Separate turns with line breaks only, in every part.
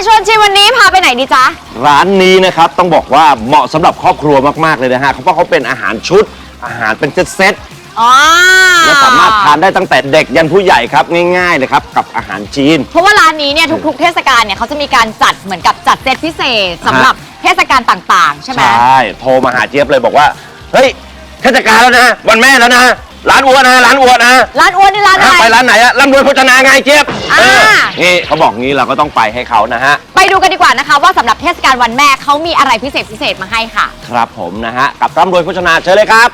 ชวนชิมวันนี้พาไปไหนดีจ๊ะ
ร้านนี้นะครับต้องบอกว่าเหมาะสำหรับครอบครัวมากๆเลยนะฮะเพราะเขาเป็นอาหารชุดอาหารเป็นเซตและสามารถทานได้ตั้งแต่เด็กยันผู้ใหญ่ครับง่ายๆเลยครับกับอาหารจีน
เพราะว่าร้านนี้เนี่ยทุกๆเทศกาลเนี่ยเขาจะมีการจัดเหมือนกับจัดเซตพิเศษสำหรับเทศกาลต่างๆใช่ไหม
ใช่โทรมาหาเจี๊ยบเลยบอกว่าเฮ้ยเทศกาลแล้วนะวันแม่แล้วนะร้านอัวนะร้านอัวนะ
ร้านอัวนี่ร้านอะไร
ไปร้านไหนอะร่ำรวยโภชนาไงเจี๊ยบนี่เขาบอกงี้เราก็ต้องไปให้เขานะฮะ
ไปดูกันดีกว่านะคะว่าสำหรับเทศกาลวันแม่เขามีอะไรพิเศษมาให้ค่ะ
ครับผมนะฮะกับร่ำรวยโภชนาเชิญเลยครับ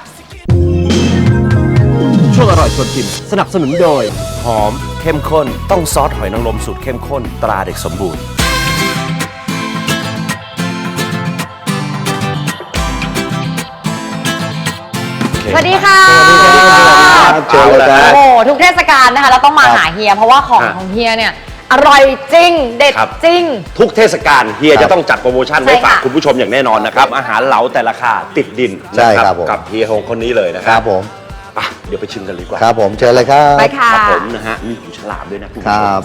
ช่วงอร่อยชวนชิมสนับสนุนโดยหอมเข้มข้นต้องซอสหอยนางรมสูตรเข้มข้นตราเด็กสมบูรณ์
สวัสดีค่ะ
เจอแล้ว
โอ้ทุกเทศกาลนะคะเราต้องมาหาเฮียเพราะว่าของเฮียเนี่ยอร่อยจริงเด็ดจริง
ทุกเทศกาลเฮียจะต้องจัดโปรโมชั่นไว้ฝากคุณผู้ชมอย่างแน่นอนนะครับอาหารเหลาแต่ราคาติดดิน
ใช่ครับ
กับเฮียฮงคนนี้เลยนะค
รับผม
เดี๋ยวไปชิมกันดีกว่า
ครับผมเชิญเลยครับ
ไปค่ะ
ครับผมนะฮะมีหูฉลามด้วยนะคุณผู้ชมครับ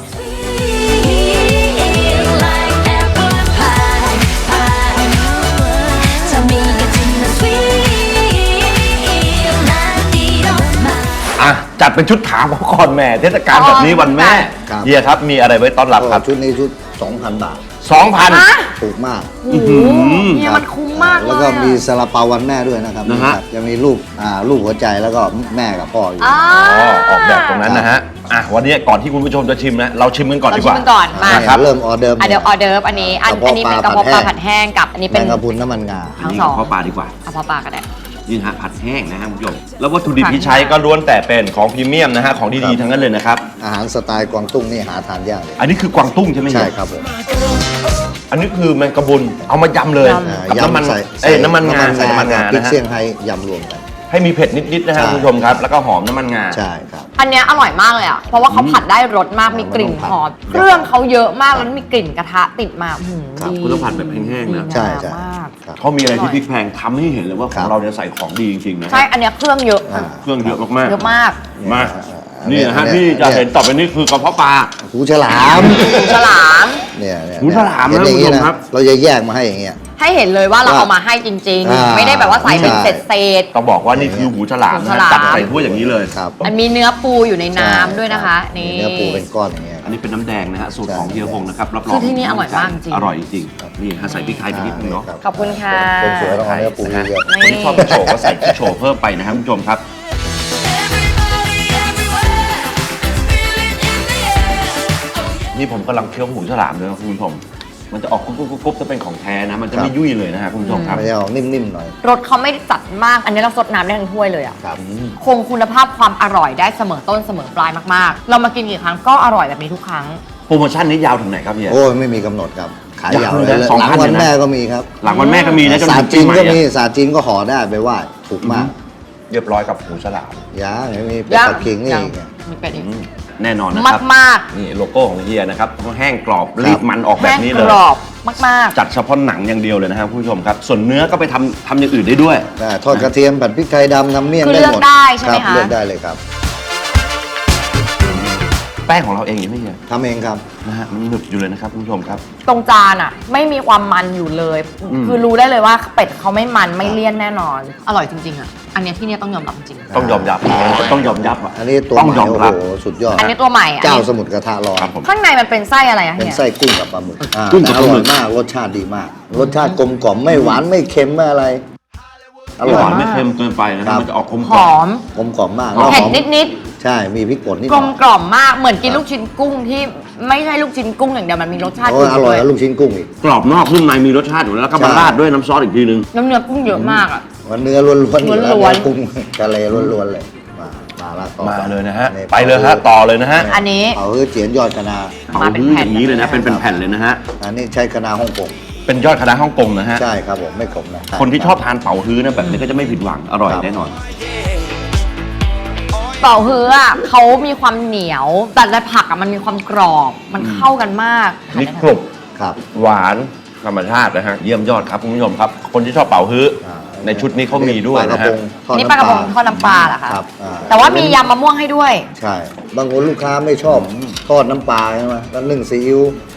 จัดเป็นชุดถามเขาก่อนแม่เทศกาลแบบนี้วันแม่เฮียครับมีอะไรไว้ต้อนรับครับ
ชุดนี้ชุด 2,000 บาท
2,000
ถูกมาก
เฮียมันคุ้มมาก
แล้วก็มีซาลาเปาวันแม่ด้วยนะครับจะมีรูปหัวใจแล้วก็แม่กับพ่ออยู่
ออกแบบตรงนั้นนะฮะวันนี้ก่อนที่คุณผู้ชมจะชิมนะเราชิมกันก่อนดีกว่า
ชิมก่อนมา
ครับเริ่มออเดิร์ฟ
เดี๋ยวออเดิร์ฟอันนี้เป็นกระเพาะปลาผัดแห้งกับอันนี้เป็น
กระพุนน้ำมันงา
ทั้งสองกระเพาะปลาดีกว่า
กระเพาะปลาก็ได้
นี่ฮะผัดแห้งนะฮะคุณผู้ชมแล้ววัตถุดิบที่ใช้ก็ล้วนแต่เป็นของพรีเมียมนะฮะของดีๆทั้งนั้นเลยนะครับ
อาหารสไตล์กวางตุ้งนี่หาทานยากเลย
อันนี้คือกวางตุ้งใช่ไหม
ใช่ครับผม
อันนี้คือแมงกะบุนเอามายำเลยกับน้ำมันน้ำมันงาใส่น้ำมันงา
พริกเซี่ยงไฮ้ยำรวมกัน
ให้มีเผ็ดนิดๆนะฮะคุณผู้ชมครับแล้วก็หอมน้ำมันงา
ใช่ครับ
อันนี้อร่อยมากเลยอ่ะเพราะว่าเขาผัดได้รสมากมีกลิ่นหอมเครื่องเขาเยอะมากแล้วมีกลิ่นกระทะติดมา
ดีคุณต้องผัดแบบแห้งๆนะ
ใช่
เขามีอะไรที่พริกแพงทำให้เห็นเลยว่าของเราเนี่ยใส่ของดีจริงๆนะ
ใช่อันนี้เครื่องเยอะ
เครื่องเยอะมาก
ๆเยอะมาก
มากนี่นะฮะที่จะเห็นต่อไปนี้คือกระเพาะปลา
หูฉลามเนี่ย
หูฉลามนะคุณผู้ชมครับ
เราจะแยกมาให้อย่างเงี้ย
ให้เห็นเลยว่าเราเอามาให้จริงๆไม่ได้แบบว่าใส่เป็นเศษ
ต้องบอกว่านี่คือหูฉลามนะจับใส่ถ้วยอย่างนี้เลย
ครับ
มันมีเนื้อปูอยู่ในน้ำด้วยนะคะนี่
เนื้อปูเป็นก้อนอย่างเงี้ย
อันนี้เป็นน้ำแดงนะฮะสูตรของเฮียพงนะครับรับรอง
คือที่นี่อร่อยมากจริง
อร่อยจริงนี่ฮะใส่พริกไทยไปนิดนึงเนาะ
ขอบคุณค่ะ
คนสวยต้องเอาเนื้อปูเยอะ
คนที่ชอบโชว์ก็ใส่โชว์เพิ่มไปนะครับคุณผู้ชมครับนี่ผมกำลังเคี้ยวหูฉลามเลยนะคุณผู้ชมมันจะออกกุ๊บจะเป็นของแท้นะมันจะไม่ยุ่ยเลยนะฮะคุณผู้ชมครับ
มันจะออกนิ่มๆหน่อย
รสเขาไม่จัดมากอันนี้เราซดน้ำได้ทั้งถ้วยเลยอ่ะคงคุณภาพความอร่อยได้เสมอต้นเสมอปลายมากๆเรามากินกี่ครั้งก็อร่อยแบบนี้ทุกครั้ง
โปรโมชั่นนี้ยาวถึงไหนครับเฮีย
โอ้ไม่มีกำหนดครับขายยาวเลยหลังวันแม่ก็มีครับ
หลังวันแม่ก็มีนะ
ศาสตร์จีนก็มีศาสตร์จีนก็ห่อได้ไปไหว้ถูกมาก
เรียบร้อยกับหูฉลาม
ยังมีเป็ดปักกิ่งนี่
มีเป็ดอีก
แน่นอนนะครับ
มาก
นี่โลโก้ของเฮียนะครับแห้งกรอบรีบมันออกแบบนี้เลย
กรอบมาก
จัดเฉพาะหนังอย่างเดียวเลยนะครับคุณผู้ชมครับส่วนเนื้อก็ไปทำอย่างอื่นได้ด้วย
ทอดกระเทียมผัดพริกไทยดำทำเมี่ยงได้หมด
เลือกได้ใช่ไหมคะ
เลือกได้เลยครับ
แป้งของเราเองยังไม่เฮีย
ทำเองครับ
นะฮะมันหนึบอยู่เลยนะครับคุณผู้ชมครับ
ตรงจานอ่ะไม่มีความมันอยู่เลยคือรู้ได้เลยว่าเป็ดเขาไม่มันไม่เลี่ยนแน่นอนอร่อยจริงๆอ่ะอันนี้ที่นี่ต้องยอมรับจริง
ต้องยอมรับอ่ะ
อันนี้ตัวใหม่โอ้โหสุดยอด
อันนี้ตัวใหม่
เจ้าสมุทรกระทะร้อน
ข้างในมันเป็นไส้อะไรอ่ะ
เป็นไส้กุ้งกับปลาหมึกอร่อยมากรสชาติดีมากรสชาติกลมกล่อมไม่หวานไม่เค็มไม่อะไร
อร่อยไม่เค็มเกินไปนะครับมันจะออกกลม
หอม
กลมกล่อมมาก
เผ็ดนิด
ใช่มีพริกป่นนิด
กลมกล่อมมากเหมือนกินลูกชิ้นกุ้งที่ไม่ใช่ลูกชิ้นกุ้งอย่างเดียวมันมีรสชาติ
อร่อยแล้วลูกชิ้นกุ้งอีก
กรอบนอกนุ่มในมีรสชาติอยู่แล้วก็มาราดด้วยน้ำซอสอีกทีนึง
น้ำเนื้อกุ้งเยอะมากอ่ะ
วันเนื้อล้วนๆกุ้งทะเลล้วนๆเลย
มาเลยนะฮะไปเลยฮะต่อเลยนะฮะ
อันนี้
เผาเจียนยอดคะนา
เผาฮื้ออย่างนี้เลยนะเป็นแผ่นเลยนะฮะ
อันนี้ใช้คะนาฮ่องกง
เป็นยอดคะน้าฮ่องกงนะฮะ
ใช่ครับผมไม่ขมนะ
คนที่ชอบทานเป๋าฮื้อนะแบบนี้ก็จะไม่ผิดหวังอร่อยแน่นอน
เป๋าฮื้ออ่ะเขามีความเหนียวแต่ในผักอ่ะมันมีความกรอบมันเข้ากันมาก
นี่กรุบครับหวานธรรมชาตินะฮะเยี่ยมยอดครับคุณผู้ชมครับคนที่ชอบเป๋าฮื้อในชุดนี้เขามีด้วยนะฮะ
นี่ปลากระพงทอดน้ำปลาเหรอคะแต่ว่ามียำมะม่วงให้ด้วย
ใช่บางคนลูกค้าไม่ชอบทอดน้ำปลาใช่ไหมแล้วนึ่งซีอิ๊ว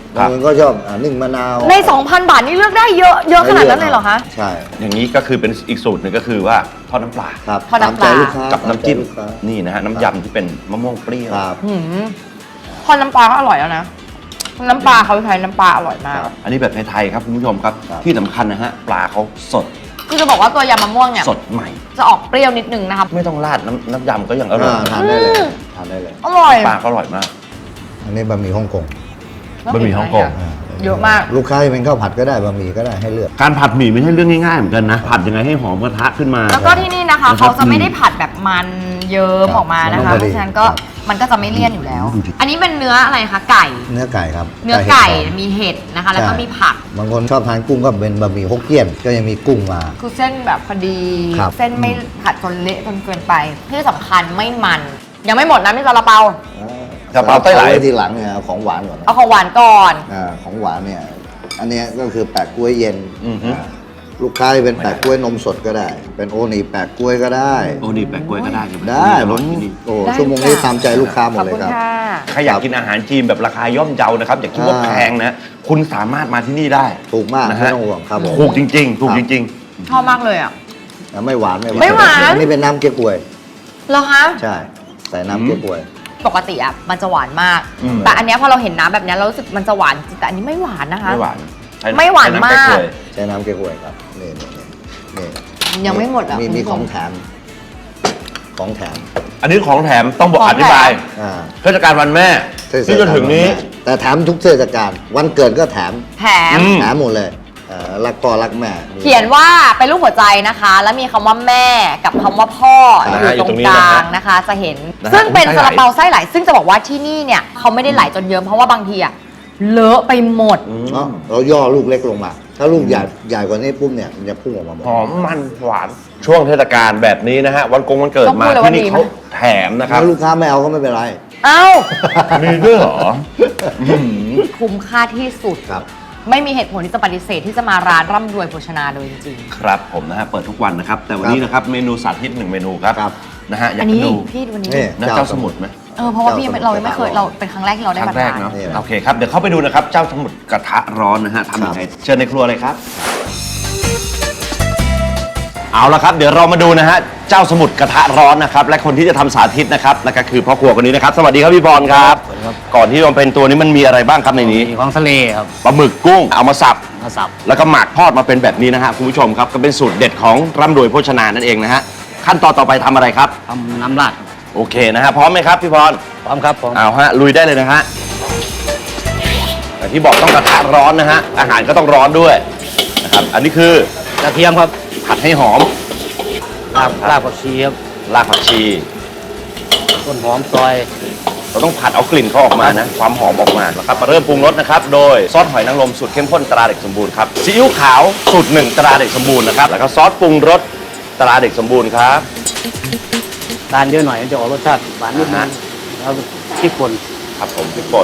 บางคนก็ชอบนึ่งมะนาว
ใน 2,000 บาทนี่เลือกได้เยอะขนาดนั้นเลยเหรอคะ
ใช่
อย่างนี้ก็คือเป็นอีกสูตรหนึ่งก็คือว่าทอดน้ำปลา
ครับ
ทอดน้ำปลา
ตมใจลูกค้า
กับน้ำจิ้ม
ตาใจลูกค้า
นี่นะฮะน้ำยำที่เป็นมะม่วงเปรี้ยว
ครับ
หืมทอดน้ำปลาก็อร่อยแล้วนะ น้ำปลาเขาใช้น้ำปลาอร่อยมาก
อันนี้แบบไทยๆครับคุณผู้ชมครับ
ครับ
ที่สำคัญนะฮะปลาเขาสด
คือจะบอกว่าตัวยำมะม่วงเนี่ย
สดใหม่
จะออกเปรี้ยวนิดนึงนะคะ
ไม่ต้องราดน้ำยำก็ยังอร่อย
ทานได้เลยทานได้เลย
อร่อย
ปลาก็อร่อยมาก
อันนี้บะหมี่ฮ่องกง
บะหมี่ฮ่องกง
เยอะมาก
ลูกค้าจะเป็นข้าวผัดก็ได้บะหมี่ก็ได้ให้เลือก
การผัดหมี่ไม่ใช่เรื่องง่ายๆเหมือนกันนะผัดยังไงให้หอมกระทะขึ้นมา
แล้วก็ที่นี่นะคะ
นะครับ
เขาจะไม่ได้ผัดแบบมันเยิ้ม
ครับ
ออกมานะ
มัน
คะ
ต้องพอดี
เพราะฉะนั้นก็มันก็จะไม่เลี่ยนอยู่แล้ว อันนี้เป็นเนื้ออะไรคะไก่
เนื้อไก่ครับ
เนื้อไก่
เห็ด
มีเห็ดนะคะ แล้วก็
ใช่
มีผัก
บางคนชอบทานกุ้งก็เป็นบะหมี่ฮกเกี้ยนก็ยังมีกุ้งมา
คือเส้นแบบพอดี
ครับ
เส้นไม่ผัดจนเละจนเกินไป ที่สำคัญไม่มัน ยังไม่หมดนะนี่ซาลาเปา
กะเพราไต้หล
ว้ทีหลังเนี่ยเอาของหวานก่อนนะ
เอาของหวานก่อน
ของหวานเนี่ยอันเนี้ยก็คือแปะกล้วยเย็น
อือฮึ
ลูกค้าจะเป็นแปะกล้วยนมสดก็ได้ เป็นโอนีแปะกล้วยก็ได้
โอ้นี่แปะกล้วยก็ได้ใช่ไหม
ได้
อ
ผ
ร่อ
ม
ยที่นี่
โอ้
ได้
ชั่วโมงนี้ตามใจลูกค้าหม
ขอ
ด
บ
เลย
คุณ
ครับ
ค่ะ
ใครอยากกินอาหารจีนแบบราคาย่อมเยานะครับอย่าคิดว่าแพงนะ คุณสามารถมาที่นี่ได้
ถูกมาก
นะ
ไม่
ฮะ
ต้องห่วงครับผม
ถูกจริงๆ ถูกจริง
ชอบมากเลยอ่ะ
ไม่หวาน
ไม่หวาน
อันนี้เป็นน้ำเก๊กฮวย
เหรอคะ
ใช่ใส่น้ำเก๊กฮวย
ปกติอ่ะมันจะหวานมาก แต่อันเนี้ยพอเราเห็นน้ำแบบเนี้ยเรารู้สึกมันจะหวานจริงแต่อันนี้ไม่หวานนะคะ
ไม่หวานใช้
ไม่หวาน
ใช้ำ
มาก
แป๊กเลย
ใช้น้ำเก๊กฮวยครับนี่นี่
ยังไม่หมดอ่ะ
มี
คุณผู้ช
ของแถมของแถม
อันนี้ของแถมต้องบอก
ของ
อ
แถม
ธิบาย
อ่า
เทศกาลวันแม่
เทศกาล
ที่จะถึงนี้
แต่แถมทุกเทศกาลวันเกิดก็แถม
แถม
อืม
แถมหมดเลยรักพ่อรักแม่
เขียนว่าเป็นรูปหัวใจนะคะ แล้วมีคำว่าแม่กับคำว่าพ่อ
นะ
อ
ฮะ
ยู่ตรง
อยู่ตรงนี้
กลา
นะฮะ
งนะคะ จะเห็น
นะฮะ
ซึ่งเป็น
ไส้
ซา
ไหล
ลาเปาไส้ไหล ซึ่งจะบอกว่าที่นี่เนี่ยเขาไม่ได้ไหลจนเยิ้มเพราะว่าบางทีอะเลอะไปหมด
เนาะเราย่อลูกเล็กลงมา ถ้าลูกใหญ่กว่านี้ปุ๊บเนี่ยมันจะพุ่งออกมาหมด
หอมมันหวานช่วงเทศกาลแบบนี้นะฮะวันวันเกิด
ต้อง
มา
พูดเลย
ที่
ว่า
นี่
ดีไหม
เขาแถมนะครับ
ถ้าลูกค้าไม่เอาก็ไม่เป็นไร
เอ้า
มีด้วยเหรอ
คุ้มค่าที่สุด
ครับ
ไม่มีเหตุผลที่จะปฏิเสธที่จะมาร้านร่ำรวยโภชนาเลยจริง
ครับผมนะฮะเปิดทุกวันนะครับ แต่วันนี้นะครับเมนูสาธิตหนึ่งเมนูครับ
ครับ
นะฮะอ
ๆ
ยา
อั
ก
น
ให้
นี้
ดู
พี่วันนี้
นี่
นะเจ้าสมุทรไหม
เพราะว่าพี่เรายังไม่เคยเราเป็นครั้งแรกที่เรา
ค
ได้
รั้
มาง
แรก
ทาน
เนาะ
นี่แหละ
โอเคครับเดี๋ยวเข้าไปดูนะครับเจ้าสมุทรกระทะร้อนนะฮะทำยังไงเชิญในครัวเลยครับ เอาละครับเดี๋ยวเรามาดูนะฮะเจ้าสมุทรกระทะร้อนนะครับและคนที่จะทำสาธิตนะครับนั่นก็คือพ่อครัวคนนี้นะครับสวัสดีครับพี่บอลครับ ก่อนที่จะเป็นตัวนี้มันมีอะไรบ้างครับในนี้
มีของทะเลครับ
ปลาหมึกกุ้งเอามาสับ
มาสับ
แล้วก็หมักทอดมาเป็นแบบนี้นะฮะคุณผู้ชมครับก็เป็นสูตรเด็ดของร่ำรวยโภชนานั่นเองนะฮะขั้นตอนต่อไปทำอะไรครับ
ทำน้ำราดครับ
โอเคนะฮะพร้อมไหมครับพี่บอล
พร้อมครับพร้อม
เอาฮะลุยได้เลยนะฮะแต่ที่บอกต้องกระทะร้อนนะฮะอาหารก็ต้องร้อนด้วยนะครับอันนี้คือก
ระเทียมครับ
ผัดให้หอม
รากผักชีครับ
รากผักชี
ต้นหอมซอย
เราต้องผัดเอากลิ่นเขาออกมานะความหอมออกมานะครับมาเริ่มปรุงรสนะครับโดยซอสหอยนางรมสูตรเข้มข้นตราเด็กสมบูรณ์ครับซีอิ๊วขาวสูตรหนึ่งตราเด็กสมบูรณ์นะครับแล้วก็ซอสปรุงรสตราเด็กสมบูรณ์ครับ
ทานเยอะหน่อยมันจะออกรสชาติหวานนิดนึ
อ่าฮะ
งแล้วพริกป่น
ครับผมพริกป่น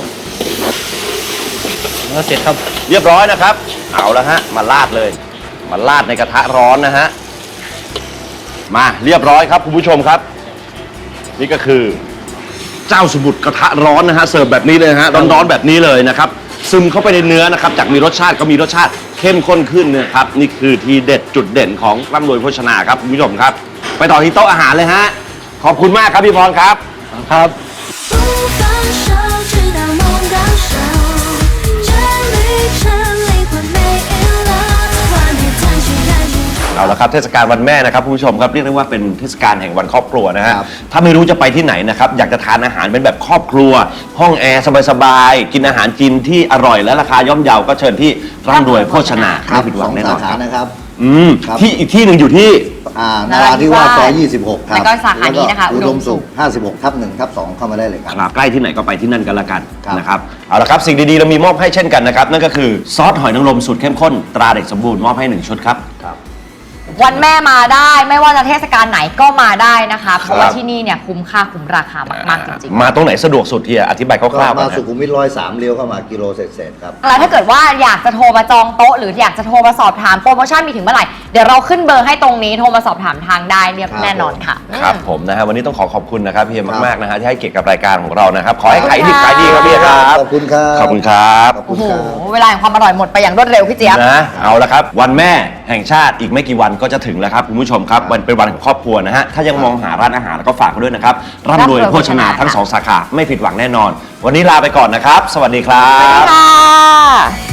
แล้วเสร็จครับ
เรียบร้อยนะครับเอาละฮะมาราดเลยมาราดในกระทะร้อนนะฮะมาเรียบร้อยครับคุณผู้ชมครับ นี่ก็คือเจ้าสมุทรกระทะร้อนนะฮะเสิร์ฟแบบนี้เลยนะฮะร้อนๆแบบนี้เลยนะครับซึมเข้าไปในเนื้อนะครับจากมีรสชาติก็มีรสชาติเข้มข้นขึ้นนะครับนี่คือทีเด็ดจุดเด่นของร่ำรวยโภชนาครับคุณผู้ชมครับ ไปต่อที่โต๊ะอาหารเลยฮะขอบคุณมากครับพี่พรครับ
ครับ
不放手，直到梦到手，这旅程灵魂没影了，画面探寻探寻。
เอาละครับเทศกาลวันแม่นะครับคุณผู้ชมครับเรียกได้ว่าเป็นเทศกาลแห่งวันครอบครัวนะฮะ
ครับ
ถ้าไม่รู้จะไปที่ไหนนะครับอยากจะทานอาหารเป็นแบบครอบครัว ห้องแอร์สบายๆกินอาหารจีนที่อร่อยและราคาย่อมเยาก็เชิญที่ร่ำรวยโภชนา
ครับ
ไม่ผิดห
ส
วั
อง ง
แน่น
สา
อนค
ขา
รับ
นะครับ ครับ
ที่อีกที่หนึ่งอยู่ที่
นราธิวาสซอย26 ครับ
แล้วก็สาขานี้นะคะ
อุดมสุข
อุดมสุข
56/1/2 เข้ามาได้เลยครับ
ครับใกล้ที่ไหนก็ไปที่นั่นกันละกัน
ครับ
นะครับเอาละครับสิ่งดีๆเรามีมอบให้เช่นกันนะครับนั่นก็คือซอสหอยนางรมสูตรเข้มข้นตราเด็กสมบูรณ์มอบให้1ชุดครับ
ครับ
วันแม่มาได้ไม่ว่าจะเทศกาลไหนก็มาได้นะคะเพราะว่าที่นี่เนี่ยคุ้มค่าคุ้มราคามากๆจริงๆ
มาตรงไหนสะดวกสุดเฮียอธิบายค
ก็
ร่าวๆ
มา
ก่อน
สุ
นะ
ขุมวิท103เลี้ยวเข้ามากิโลเศษๆครับ
แล้วถ้าเกิดว่าอยากจะโทรมาจองโต๊ะหรืออยากจะโทรมาสอบถามโปรโมชั่นมีถึงเมื่อไหร่เดี๋ยวเราขึ้นเบอร์ให้ตรงนี้โทรมาสอบถามทางได้เรียบ
ครับ
แน่นอนค่ะ
ครับผมนะฮะวันนี้ต้องขอบคุณนะครับเฮีย
ครับ
มากๆนะฮะที่ให้เกียรติกับรายการของเรานะครับขอให้ขายดีขายดีครับเฮียครับ
ขอบคุณครับ
ขอบคุณครับ
ขอบคุ
โอ้
ณ
โห
ครับ
เวลาแห่งความอร่อยหมดไปอย่างรวดเร็วพี่เจี๊ยบ
นะเอาละครับวันแม่แห่งชาติอีกไม่กี่วันก็จะถึงแล้วครับคุณผู้ชมครับวันเป็นวันของครอบครัวนะฮะถ้ายังมองหาร้านอาหารแล้วก็ฝากไว้ด้วยนะครับร่ำรวยโภชนาทั้ง 2 สาขาไม่ผิดหวังแน่นอน วันนี้ลาไปก่อนนะครับ สวัสดีครั
สวัสดี
บ
ค่ะ